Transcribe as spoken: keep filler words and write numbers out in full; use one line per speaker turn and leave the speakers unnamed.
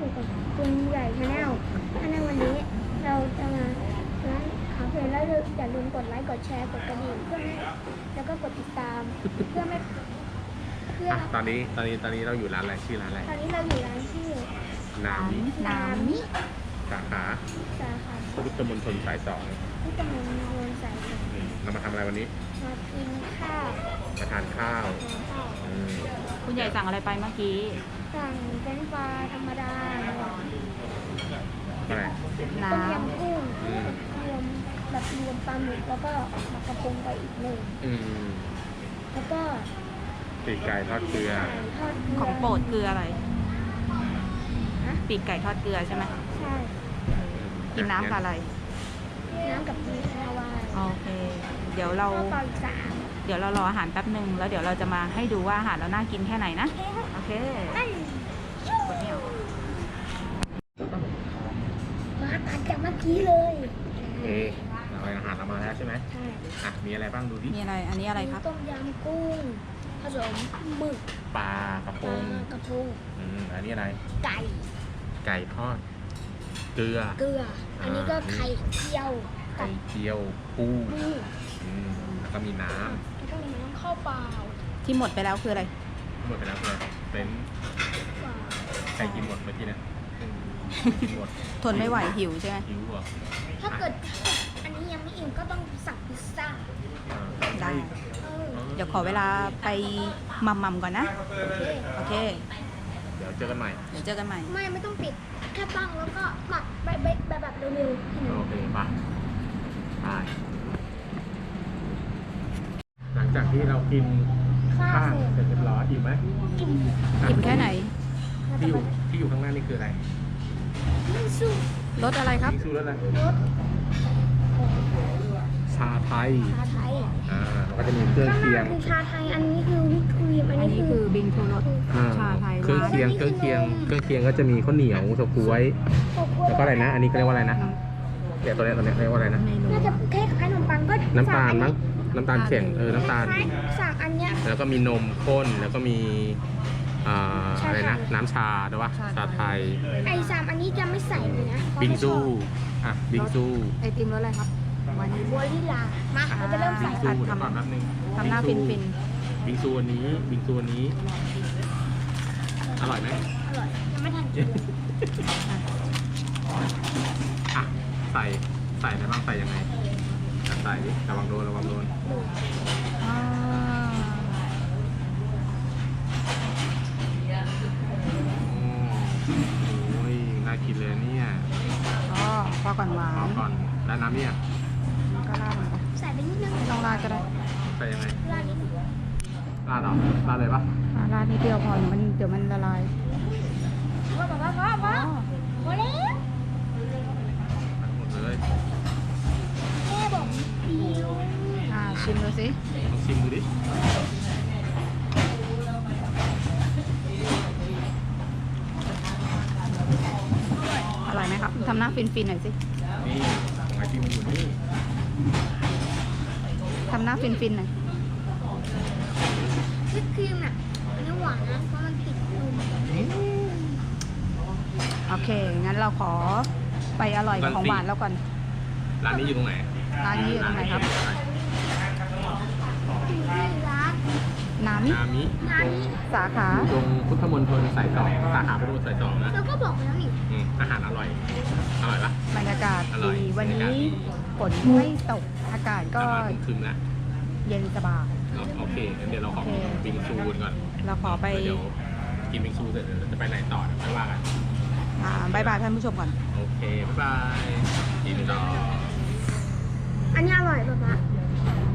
อยู่กับคุณใหญ่ชาแนลถ้าในวันนี้เราจะมาร้านคาเฟ่แล้วอย่าลืมกดไลค์กดแชร์กดกระดิ่งเพื่อไม่แล้วก็กดติดตามเพื่อไม่เพื่อ
ตอนนี้ตอนนี้ตอนนี้เราอยู่ร้านอะไรชื่อร้านอะไร
ตอนนี้เราอยู่ร้านชื่อ
นามิ
นามิ
สาขา
สาขา
พุทธมณฑลสายสอง
ที่ตำบลโนนสายสอง
อืมเรามาทำอะไรวันนี้
มากินข้าว
มาทานข้าว
ทานข้าว
อืม
คุณใหญ่สั่งอะไรไปเมื่อกี้
สั่งเป็นปลาธรรมดา
อะไร
น้
ต้มยำกุ้ง
อืม
รวมแบบรวมปลาหมึกแล้วก็หมักกระพงไปอีกหนึ่ง
อืม
แล้วก็
ปีกไก่ทอดเกลือ
ไก่ทอดเกลื
ำของโปรดคืออะไร
นะ
ปีกไก่ทอดเกลือใช่ไหม
ใช่
กินน้ำกับอะไร
น้ำกับมีคาวาย
โอเค เดี๋ยวเรา
ข้าวเปล่าอีกสาม
เดี๋ยวเรารออาหารแป๊บหนึ่งแล้วเดี๋ยวเราจะมาให้ดูว่าอาหารเราน่ากินแค่ไหนนะ โอเค
ไอ้
กดไม่ออก
มาตัดจากเมื่อกี้เลย
เอเราอาหารเรามาแล้วใช่ไหม
ใช่
อ่ะมีอะไรบ้างดูดิ
มีอะไร อันนี้อะไรครับ
ต้มยำกุ้งผสมหมึก
ปลากระพ
ปลาง กระพง
อืมอันนี้อะไร
ไก่
ไก่ทอดเกลือ
เกลือ อันนี้ก็ไข่เจียว
ไข่เจียวปู
ปู
อืมแล้วก็มีน้
แล้วก็มีน้ำข้าวเปล่า
ที่หมดไปแล้วคืออะไร
ำหมดไปแล้วเลยเป็น
เปล่า
ใครกินหมดเมื่อกี้เนะกินหมด
ทนไม่ไหวหิวใช่ไหม
หิวเหรอ
ถ้าเกิดอันนี้ยังไม่อิ่มก็ต้องสั่งพิซซ่า
อ่า
ได้
เออ
เดี๋ยวขอเวลาไปมัมมัมก่อนนะ
โอเค
โอเค
เดี๋ยวเจอกันใหม่
เดี๋ยวเจอกันใหม่
ไม่ไม่ต้องปิด แค่ตั้งแล้วก็หมักแบบแบบแบบแบบเร็วๆแค่นั้น
โอเคไปไปหลังจากที่เรากิน
ข้า
ข้าว ว
เส
เส
ร็
ร็
จ
จเรียบร้อยอิ่มไหม
อิ่ม
อิ่มแค่ไหน
ที่อยู่ที่อยู่ข้างหน้านี่คืออะไร
ไม่สู้
รสอะไรครับ
นี่คือรสอะไร
รส
ชาไทย
ชาไทย
อ่าแล้วก็จะมีเครื่อง
ข้างห
เคีย
น้างคือชาไทย อันนี้คือวิปครีม อัน
อัน
นี้
นี้
คื
คือ อบิงทูรส
อ่า
ชาไทย
เครื่อง
ร้าน
เคียงเครื่องเคียงเครื่องเคียงก็จะมีข้าวเหนียวเฉาก๊วย
โกโก้
แล้วก็อะไรนะ อันนี้เขาเรียกว่าอะไรนะเดี๋ยวตัวเนี้ยตัวเนี้ยเรียกว่าอะไรนะ
เมนู
น่าจะคล้ายๆขนมปังก็
น้ำตาล
สั่
มั้งน้ำตาลเข่งเออน้ำตาล
คล้ายๆสั่งอันเนี้ย
แล้วก็มีนมข้นแล้วก็มีอ่า
ชาไทย
อะไรนะน้ำชาด้วยวะชาไทย
ไอสามอันนี้จะไม่ใส่เลยนะเพราะ
บิง
ไม่ช
ซู
อบ
อ่ะบิงซู
ไอติมรสอะไรครับวันนี้
บัวลิลา มาเราจะเริ่ม
บิ
ใส่
งซู
อ่ะ
เดี๋ยว
ทำ
ก่อนแป๊บนึง
ทำหน้าฟินฟิน
บิงซูอันนี้บิงซูอันนี้อร่อยไหม
อร่อยยังไม่ทันกินเลย
อ่ะใส่ใส่อะไรบ้างใส่ยังไงอ่ะใส่ดิระวังโดนระวังโดน
ๆอ่า
โอ้ยน่ากินเลยเนี่ย
อ๋อพอก่อนหวา
เอา
น
ก่อนแล้วน้ำเนี่ย
ก็ราดลงไป
ใส่ไปนิดนึง
ไม่ต้องราดก็ได้
ใส่ยังไง
ราดนิดนึง
ราดเหรอราดเลยปะ
อ่าราดนิดเดียวพอเดี๋ยวมันเดี๋ยวมันละลาย
พอพอพอพอพอพอแล้ว
ทั้งหมดเลย
แม่บอกเดียว
อ่าชิมดูสิ
ลองชิมดูดิ
อร่อยไหมครับทำหน้าฟินฟินๆหน่อยสิ
นี่ของไอติมอยู่นี่
ทำหน้าฟินฟินๆหน่อย
วิปครีมอ่ะอันนี้หวานนะเพราะมันติดนม
โอเคงั้นเราขอไปอร่อยกับของหวานแล้วก่อน
ร้านนี้อยู่ตรงไหน
ร้านนี้อยู่ตรงไหนครับ
ที่ร้าน
น้ำมิ
นามิ
ร้าน
ตรง
นี้
สาขา
ตรงพุทธมณฑลสายสองสาขาพุทธมณฑลสายสองนะ
เราก็บอกไปแล้วนี่
อืมอาหารอร่อย อร่อยปะ
บรรยากาศ
อร่อย
ดีวัน
บรรยากาศ
นี้
ดี
ฝนไม่ตกอากาศก็
ประมาณครึมๆแล้ว
เย็นสบาย
เนอะโอเคงั้นเดี๋ยวเราขอ
โอเค
บิงซูกันก่อน
เราขอไป
เดี๋ยวกินบิงซูเสร็จเดี๋ยวเราจะไปไหนต่อเดี๋ยวค่อยว่ากัน
อ่าบายบายท่านผู้ชมก่อน
โอเค บ๊ายบายกินต่อ
อันนี้อร่อยแบบว่า